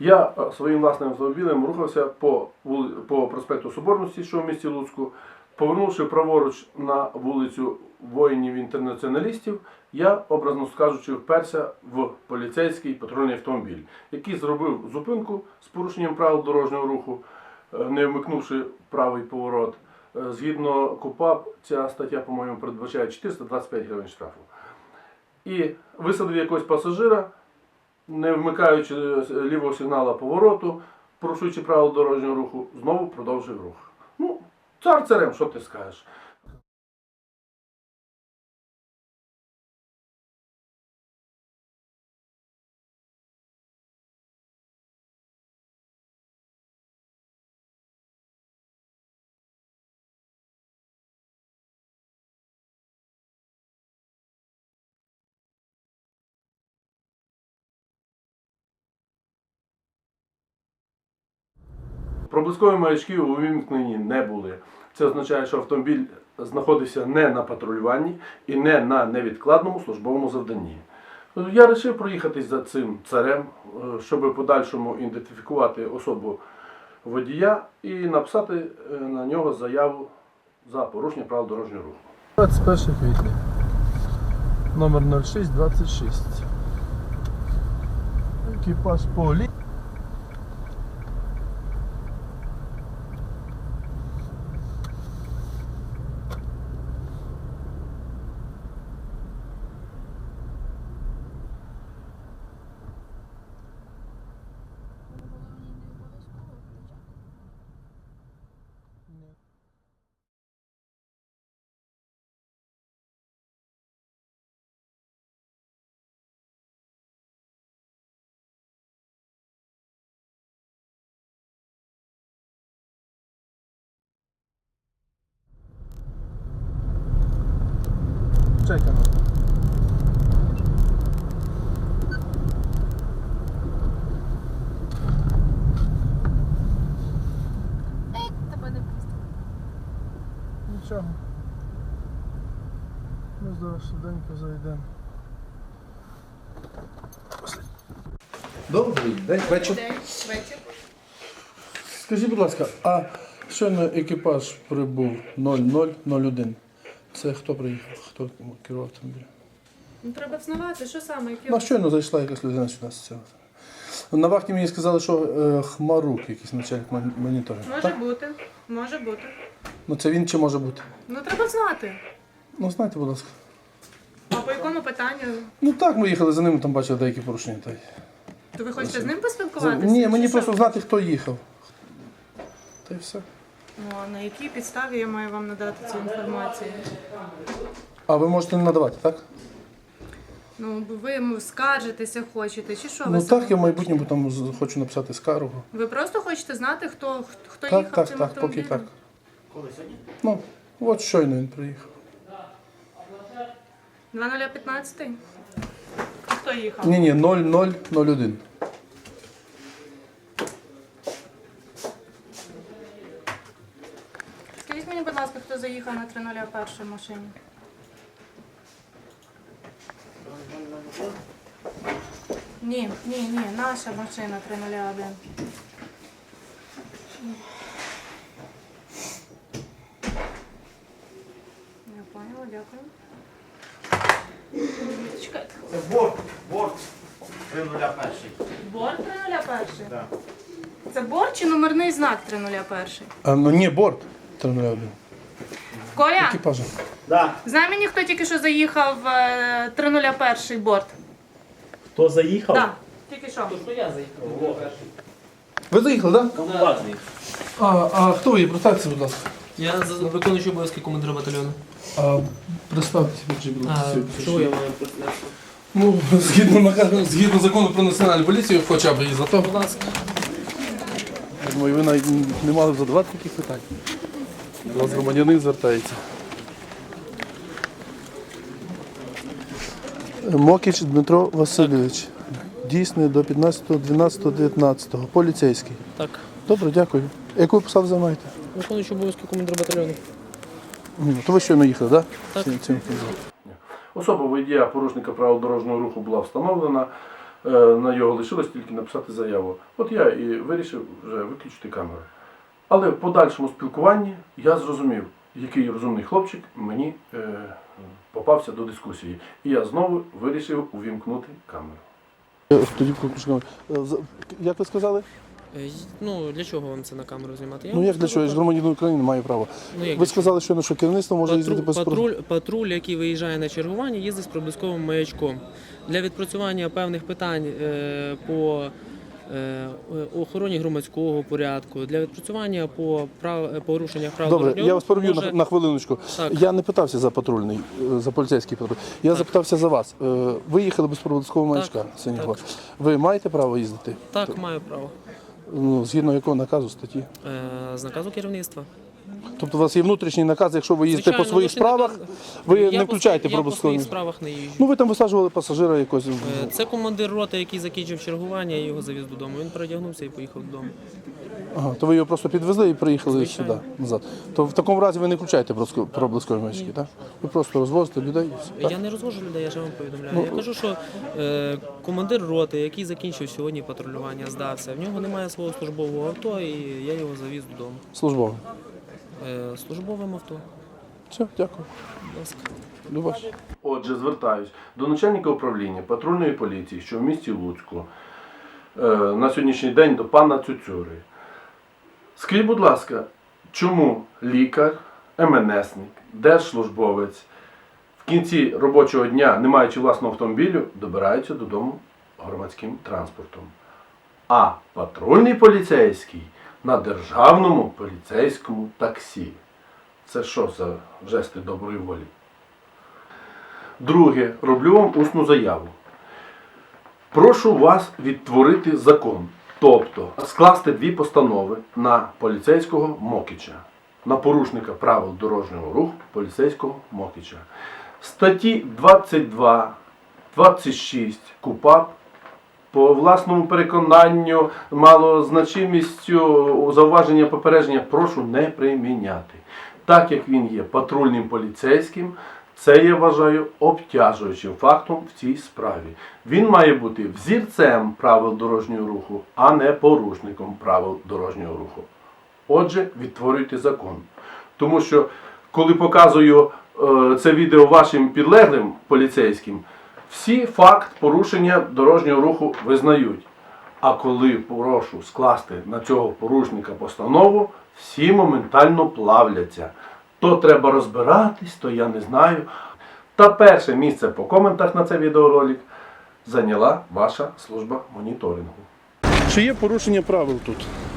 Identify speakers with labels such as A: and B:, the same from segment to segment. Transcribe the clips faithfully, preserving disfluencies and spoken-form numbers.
A: Я своїм власним автомобілем рухався по, вули... по проспекту Соборності, що в місті Луцьку. Повернувши праворуч на вулицю воїнів-інтернаціоналістів, я, образно скажучи, вперся в поліцейський патрульний автомобіль, який зробив зупинку з порушенням правил дорожнього руху, не вмикнувши правий поворот. Згідно КУпАП, ця стаття, по-моєму, передбачає чотириста двадцять п'ять гривень штрафу. І висадив якогось пасажира, не вмикаючи лівого сигналу повороту, порушуючи правила дорожнього руху, знову продовжив рух. Ну, цар царем, що ти скажеш? Проблискові маячки увімкнені не були. Це означає, що автомобіль знаходився не на патрулюванні і не на невідкладному службовому завданні. Я вирішив проїхатись за цим царем, щоб в подальшому ідентифікувати особу водія і написати на нього заяву за порушення правил дорожнього руху.
B: двадцять перше квітня. Номер нуль шість двадцять шість. Екіпаж полі. Чекаємо.
C: Ей, тебе не пустимо.
B: Нічого. Ми зараз швиденько зайдемо. Добрий день, вечір.
C: День, вечір.
B: Скажіть, будь ласка, а щойно екіпаж прибув нуль нуль нуль один. Це хто приїхав? Хто керував автомобілем?
C: Ну, треба взнавати, що саме, які...
B: Ну, щойно зайшла якась людина сюди з цього. На вахті мені сказали, що е, Хмарук, якийсь начальник мон- моніторингу.
C: Може
B: Так?
C: бути, може бути.
B: Ну це він чи може бути?
C: Ну, треба знати.
B: Ну, знайте, будь ласка.
C: А по якому питанню?
B: Ну так, ми їхали за ним, там бачили деякі порушення. Та й...
C: То ви хочете з ним
B: За-
C: поспілкуватися?
B: Ні, мені
C: Чи
B: просто
C: що?
B: знати, хто їхав. Та й все.
C: Ну, а на якій підставі я маю вам надати цю інформацію?
B: А ви можете не надавати, так?
C: Ну, бо ви йому скаржитеся хочете, чи що?
B: Ну
C: ви
B: так,
C: саме
B: я в майбутньому там з- хочу написати скаргу.
C: Ви просто хочете знати, хто, хто
B: Так,
C: їхав
B: так,
C: цим
B: так, поки
C: автомобілем?
B: так. Ну, от щойно він приїхав.
C: два нуль п'ятнадцять? А хто їхав?
B: Ні, ні, нуль нуль нуль один.
C: Скажіть мені, будь ласка, хто заїхав на три нуль один машині? Ні, ні, ні, наша машина три нуль один. Я поняла, дякую. Чекайте.
D: Це борт, борт три нуль один.
C: Борт три нуль один?
D: Да.
C: Це борт чи номерний знак три нуль один?
B: А, ну ні, борт три нуль один.
C: Коля,
B: Екіпажа.
D: Да.
C: знай мені, хто тільки що заїхав е, три нуль один борт?
D: Хто заїхав?
C: Так, тільки що.
B: Ви заїхали, так?
D: Комбатний.
B: А, а хто ви є? Представтеся, будь ласка.
E: Я за- виконуючий обов'язки командира батальйону.
B: А, представтеся, будь ласка.
E: А чого я маю представлятися?
B: Ну, згідно, наказу- згідно закону про національну поліцію, хоча б і за то.
E: Будь ласка.
B: Я думаю, ви навіть не мали б задавати таких питань. До вас громадянин звертається. Мокіч Дмитро Васильович. Дійсний до п'ятнадцятого дванадцятого дев'ятнадцятого. Поліцейський.
E: Так.
B: Добре, дякую. Яку посаду займаєте?
E: Виконуючий обов'язки командира батальйону.
B: Ні, то ви щойно їхали, так?
E: Так.
B: Цим- цим-
A: Особа водія порушника правил дорожнього руху була встановлена. Е, На його лишилось тільки написати заяву. От я і вирішив вже виключити камеру. Але в подальшому спілкуванні я зрозумів, який розумний хлопчик мені е, попався до дискусії. І я знову вирішив увімкнути камеру.
B: Тоді включимо. Як ви сказали?
E: Е, Ну, для чого вам це на камеру знімати? Я
B: Ну
E: вам
B: як для
E: скажу
B: чого? Я ж
E: так.
B: громадянин України маю право.
E: Ну, як
B: Ви
E: для
B: сказали, що, що керівництво може їздити
E: Патруль,
B: без
E: патруль, патруль, який виїжджає на чергування, їздить з проблисковим маячком. Для відпрацювання певних питань е, по е, охороні громадського порядку, для відпрацювання по прав, порушеннях прав
B: Добре,
E: дорожнього
B: я вас
E: руху
B: переб'ю
E: може-
B: на, на хвилиночку.
E: Так.
B: Я не питався за патрульний, е, за поліцейський патруль. Я
E: Так.
B: запитався за вас. Е, Ви їхали без проблискового маячка
E: Так,
B: синього.
E: так.
B: Ви маєте право їздити?
E: Так, маю право.
B: Ну, згідно якого наказу статті?
E: Е, З наказу керівництва.
B: Тобто у вас є внутрішній наказ, якщо ви їздите
E: Звичайно,
B: по своїх
E: внутрішній
B: справах,
E: наказ-
B: ви
E: Я
B: не
E: по
B: включаєте
E: своїх- Я по
B: проблисковий.
E: своїх справах не їжджу.
B: Ну ви там висаджували пасажира якось.
E: Е, Це командир роти, який закінчив чергування, я його завіз додому. Він передягнувся і поїхав додому.
B: Ага, то ви його просто підвезли і приїхали
E: Звичайно.
B: сюди назад. То в такому разі ви не включаєте проблиско- проблискові маячки, так? Ви просто розвозите людей і все. Так?
E: Я не розвожу людей, я ж вам повідомляю.
B: Ну,
E: я кажу, що е, командир роти, який закінчив сьогодні патрулювання, здався. В нього немає свого службового авто, і я його завіз додому.
B: Службово.
E: Е, службовим авто.
B: Все, дякую.
E: Будь ласка.
B: Любаш.
A: Отже, звертаюсь до начальника управління патрульної поліції, що в місті Луцьку, е, на сьогоднішній день до пана Цюцюри. Скажіть, будь ласка, чому лікар, МНСник, держслужбовець в кінці робочого дня, не маючи власного автомобілю, добирається додому громадським транспортом? А патрульний поліцейський на державному поліцейському таксі. Це що за жести доброї волі? Друге, роблю вам усну заяву. Прошу вас відтворити закон, тобто скласти дві постанови на поліцейського Мокича, на порушника правил дорожнього руху поліцейського Мокича. Статті двадцять два, двадцять шість КУпАП по власному переконанню, малозначимістю зауваження попередження прошу не приміняти. Так як він є патрульним поліцейським, це я вважаю обтяжуючим фактом в цій справі. Він має бути взірцем правил дорожнього руху, а не порушником правил дорожнього руху. Отже, відтворюйте закон. Тому що, коли показую е, це відео вашим підлеглим поліцейським, всі факт порушення дорожнього руху визнають. А коли прошу скласти на цього порушника постанову, всі моментально плавляться. То треба розбиратись, то я не знаю. Та перше місце по коментах на цей відеоролик зайняла ваша служба моніторингу.
B: Чи є порушення правил тут?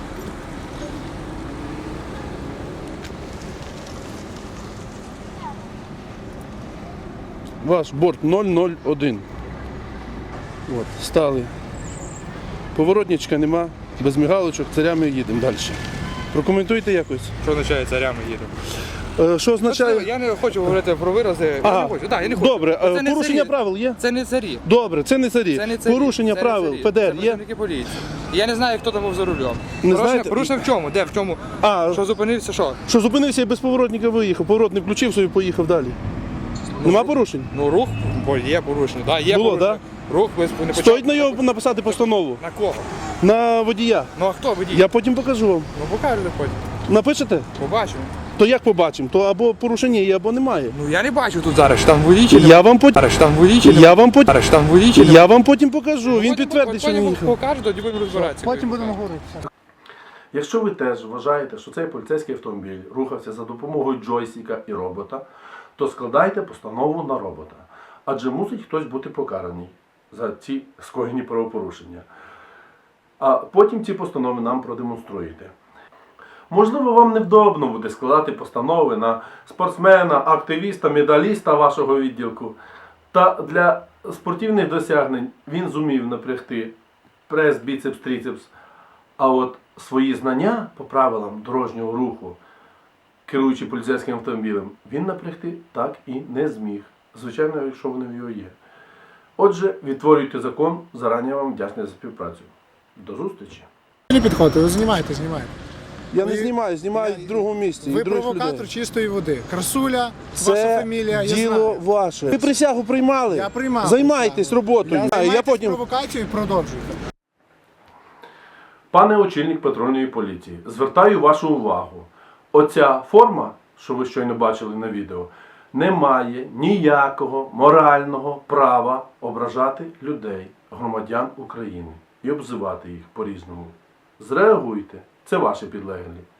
B: Ваш борт нуль нуль один. От, стали. Поворотничка нема, без мігалочок, царями їдемо далі. Прокоментуйте якось.
F: Що означає царями їду?
B: Е, Що означає?
F: Я не хочу говорити про вирази. Я
B: Ага.
F: не хочу. Да, я не хочу.
B: Добре, е,
F: Це не
B: порушення
F: царі.
B: правил є?
F: Це не царі.
B: Добре, це не царі.
F: Це не царі.
B: Порушення
F: Це не
B: правил,
F: царі.
B: ПДР
F: Це
B: є?
F: працівники поліції. Я не знаю, хто там був за рулем.
B: Не
F: порушення,
B: знаєте?
F: порушення в чому? Де? В чому?
B: А,
F: Що зупинився, що?
B: що зупинився і без поворотника виїхав, поворот не включив собі, поїхав далі. Нема порушень?
F: Ну рух, бо є порушення. Да, є
B: Було,
F: порушення. Рух без не почав.
B: Стоїть на його написати постанову.
F: На кого?
B: На водія.
F: Ну а хто водій?
B: Я потім покажу вам.
F: Ну покажете потім.
B: Напишете?
F: Побачимо.
B: То як побачимо? То або порушення є, або немає.
F: Ну я не бачу тут зараз, що там водій чи не
B: Я вам потім.
F: Зараз що там водій чи не
B: Я вам потім.
F: Зараз що там водій чи не
B: Я вам потім покажу. Він
F: Потім-
B: підтвердить, що він
F: потім
B: їхав.
F: покаже, тоді будемо розбиратися.
B: Потім будемо говорити.
A: Якщо ви теж вважаєте, що цей поліцейський автомобіль рухався за допомогою джойстика і робота, то складайте постанову на робота. Адже мусить хтось бути покараний за ці скоєні правопорушення. А потім ці постанови нам продемонструєте. Можливо, вам невдобно буде складати постанови на спортсмена, активіста, медаліста вашого відділку. Та для спортивних досягнень він зумів напрягти прес, біцепс, трицепс. А от свої знання по правилам дорожнього руху, керуючи поліцейським автомобілем, він напрягти так і не зміг. Звичайно, якщо вони в його є. Отже, відтворюйте закон, зарані вам вдячний за співпрацю. До зустрічі!
G: Не підходьте, ви знімаєте, знімаєте.
B: Я не
G: Ви-
B: знімаю, знімаю в другому місці.
G: Ви
B: і других
G: провокатор
B: людей.
G: чистої води. Красуля, ваша
B: Це
G: фамілія, я
B: діло
G: знаю.
B: ваше. Ви присягу приймали?
G: Я приймав
B: Займайтесь
G: присягу.
B: роботою.
G: Я,
B: А, я
G: займайтесь
B: потім...
G: провокацією і продовжуйте.
A: Пане очільник патрульної поліції, звертаю вашу увагу. Оця форма, що ви щойно бачили на відео, не має ніякого морального права ображати людей, громадян України і обзивати їх по-різному. Зреагуйте, це ваші підлеглі.